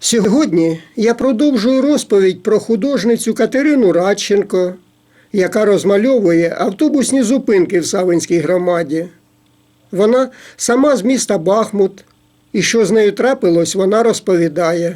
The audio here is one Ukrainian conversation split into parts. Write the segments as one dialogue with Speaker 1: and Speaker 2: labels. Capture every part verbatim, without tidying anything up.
Speaker 1: Сьогодні я продовжую розповідь про художницю Катерину Радченко, яка розмальовує автобусні зупинки в Савинській громаді. Вона сама з міста Бахмут, і що з нею трапилось, вона розповідає.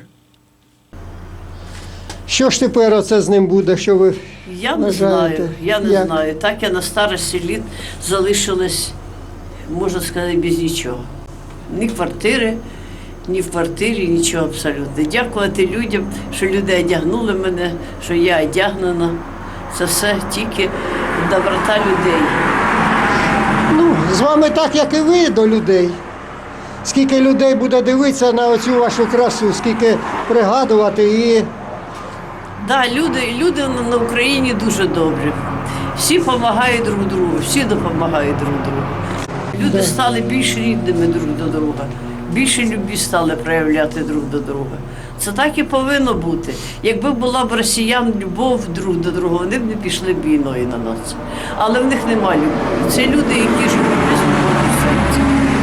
Speaker 1: Що ж тепер оце з ним буде, що ви
Speaker 2: Я не
Speaker 1: вважаєте?
Speaker 2: знаю, я не
Speaker 1: Як?
Speaker 2: знаю. Так я на старості літ залишилась, можна сказати, без нічого. Ні квартири, ні в квартирі, нічого абсолютно. Дякувати людям, що люди одягнули мене, що я одягнена. Це все тільки доброта людей.
Speaker 1: Ну, з вами так, як і ви до людей. Скільки людей буде дивитися на оцю вашу красу, скільки пригадувати і...
Speaker 2: Так, да, люди, люди на Україні дуже добрі. Всі допомагають друг другу, всі допомагають друг другу. Люди стали більш рідними друг до друга, більше любві стали проявляти друг до друга. Це так і повинно бути. Якби була б росіян любов друг до друга, вони б не пішли б війною на нас. Але в них немає любові. Це люди, які живуть без любові в серці.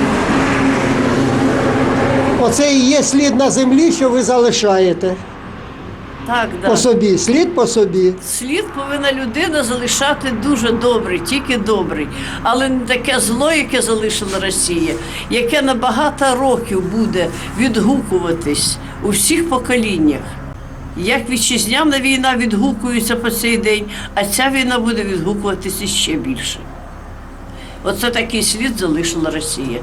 Speaker 1: Оце і є слід на землі, що ви залишаєте.
Speaker 2: Так,
Speaker 1: По
Speaker 2: да.
Speaker 1: собі, слід по собі.
Speaker 2: Слід повинна людина залишати дуже добрий, тільки добрий. Але не таке зло, яке залишила Росія, яке на багато років буде відгукуватись у всіх поколіннях. Як вітчизняна війна відгукується по цей день, а ця війна буде відгукуватися ще більше. Оце такий слід залишила Росія.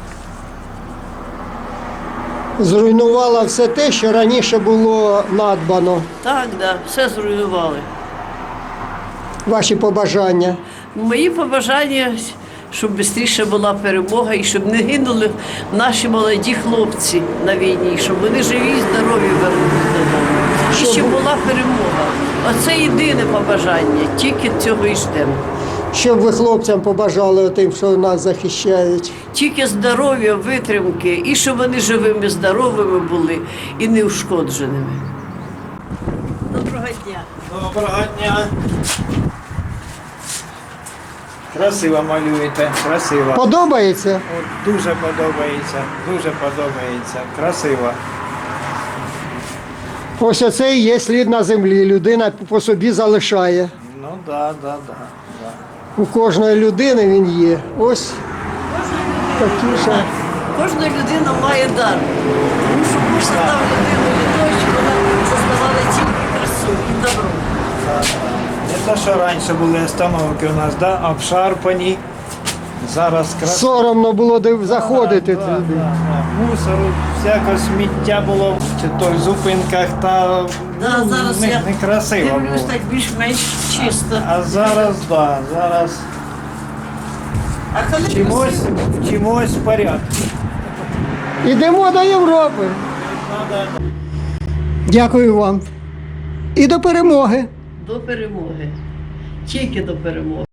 Speaker 1: Зруйнувала все те, що раніше було надбано.
Speaker 2: Так, да, все зруйнували.
Speaker 1: Ваші побажання.
Speaker 2: Мої побажання, щоб швидше була перемога і щоб не гинули наші молоді хлопці на війні, щоб вони живі і здорові вернулися додому. І
Speaker 1: Щоб-
Speaker 2: щоб була перемога. Оце єдине побажання, тільки цього і ждемо.
Speaker 1: Що б ви хлопцям побажали тим, що нас захищають?
Speaker 2: Тільки здоров'я, витримки, і щоб вони живими, здоровими були і неушкодженими. Доброго дня.
Speaker 3: Доброго дня. Красиво малюєте, красиво.
Speaker 1: Подобається?
Speaker 3: От, дуже подобається, дуже подобається. Красиво.
Speaker 1: Ось оце і є слід на землі. Людина по собі залишає.
Speaker 3: Ну да, да, да, да.
Speaker 1: У кожної людини він є. Ось такі ще.
Speaker 2: Кожна людина має дар. Тому що Бог задав людину для того, щоб вона зазнавала тільки красу і добро.
Speaker 3: Не те, що раніше були остановки у нас, да, обшарпані. Зараз красиво.
Speaker 1: Соромно було див- заходити
Speaker 3: Да, да,
Speaker 1: туди.
Speaker 3: да, да. Мусору, всяке сміття було чи то в зупинках, та
Speaker 2: Да,
Speaker 3: ну,
Speaker 2: зараз
Speaker 3: не,
Speaker 2: я
Speaker 3: не красиво
Speaker 2: дивлюсь
Speaker 3: було.
Speaker 2: так більш-менш чисто.
Speaker 3: А зараз, да, зараз
Speaker 2: А коли
Speaker 3: чимось, чимось в порядку.
Speaker 1: Ідемо до Європи. Дякую вам. І до перемоги.
Speaker 2: до перемоги, тільки до перемоги.